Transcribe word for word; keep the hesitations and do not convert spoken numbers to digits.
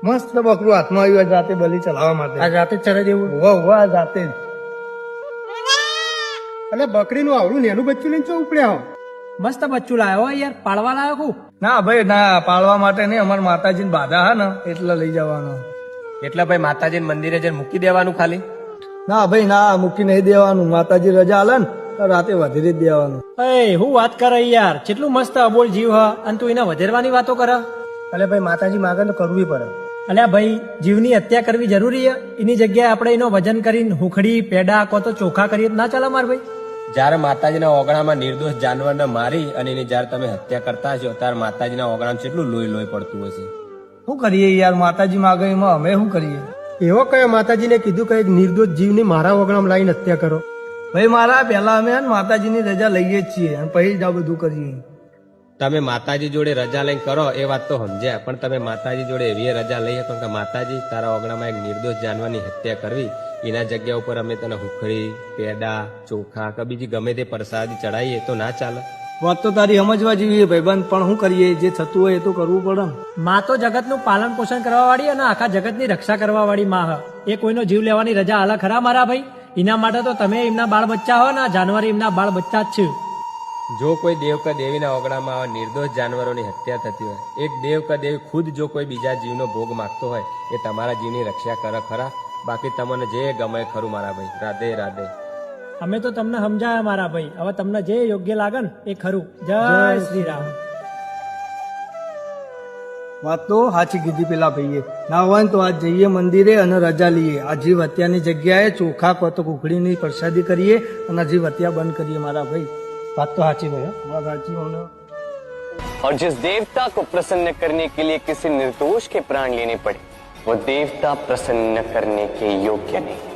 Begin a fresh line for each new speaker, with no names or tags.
મસ્ત બકરું હાથમાં આવ્યું જાતે બલી ચલાવવા માટે.
આ જાતે જ ચરાઈ દેવું.
વાહ વાહ જાતે જ.
અને બકરીનું આવડું નેનું બચ્ચું લઈને ચો ઉપડ્યા હો. મસ્ત બચ્ચું લાવ્યો યાર, પાળવા લાવ્યો હું.
ના ભાઈ ના, પાળવા માટે નહીં, અમારા માતાજી બાધા હા ને એટલે લઈ જવાનો.
એટલે ભાઈ માતાજી મંદિરે જઈને મૂકી દેવાનું ખાલી.
ના ભાઈ ના, મૂકી નહીં દેવાનું. માતાજી રજા આલે ને તો રાતે વધેરી જ દેવાનું.
એ હું વાત કરે યાર, કેટલું મસ્ત અબોલ જીવ હ અને તું એને વધેરવાની વાતો કરે.
એટલે ભાઈ માતાજી માગે તો કરવી પડે.
અલ્યા ભાઈ, જીવની હત્યા કરવી જરૂરી છે? એની જગ્યાએ આપણે એનો વજન કરીને હુખડી પેડા કો તો ચોખા કરીએ તો ના ચાલે માર ભાઈ?
જયારે માતાજીના ઓગણામાં નિર્દોષ જાનવરને મારી અને એની જયારે તમે હત્યા કરતા હશો ત્યારે માતાજીના ઓગણામાં કેટલું લોહી લોહી પડતું હશે.
શું કરીએ યાર, માતાજી માગે એમાં અમે શું કરીએ?
એવો કયો માતાજીને કીધું કે નિર્દોષ જીવની મારા ઓગણામાં લાઈને હત્યા કરો?
ભાઈ મારા પહેલા અમે માતાજીની રજા લઈએ જ છીએ અને પછી જ આ બધું કરીએ.
તમે માતાજી જોડે રજા લઈને કરો એ વાત તો સમજ્યા, પણ તમે માતાજી જોડે એવી રજા લઈ શકો કે માતાજી તારા ઓગણામાં એક નિર્દોષ જાનવરની હત્યા કરવી, એના જગ્યા ઉપર અમે તને હુખડી પેડા ચોખા કે બીજી ગમે તે પ્રસાદી ચડાવીએ તો ના ચાલે?
વાત તો તારી સમજવા જેવી ભાઈબંધ, પણ શું કરીએ, જે થતું હોય એ તો કરવું પડે ને.
માં તો જગતનું પાલન પોષણ કરવા વાળી અને આખા જગતની રક્ષા કરવા વાળી માં હ. એ કોઈનો જીવ લેવાની રજા આલા ખરા મારા ભાઈ? એના માટે તો તમે એમના બાળ બચ્ચા હો ને, જાનવર એમના બાળ બચ્ચા જ છે.
જો કોઈ દેવ કે દેવીના ઓગણામાં આવા નિર્દોષ જાનવરોની હત્યા થતી હોય, એક દેવ કે દેવી ખુદ જો કોઈ બીજા જીવનો ભોગ માગતો હોય, એ તમારા જીવની રક્ષા કરે ખરા? બાકી તમને જે ગમે ખરું મારા ભાઈ. રાધે રાધે.
અમે તો તમને સમજાયા મારા ભાઈ, હવે તમને જે યોગ્ય લાગે ને એ ખરું. જય શ્રી રામ.
વાત તો સાચી કીધી પેલા ભાઈએ. ના હોય ને તો આજ જઈએ મંદિરે અને રજા લઈએ. આ જીવ હત્યાની જગ્યાએ ચોખા કો તો કુકડીની પ્રસાદી કરીએ અને જીવ હત્યા બંધ કરીએ મારા ભાઈ.
વાત તો સાચી ભાઈ.
વાત સાચી હોને.
और जिस देवता को प्रसन्न करने के लिए किसी निर्दोष के प्राण लेने पड़े, वो देवता प्रसन्न करने के योग्य नहीं.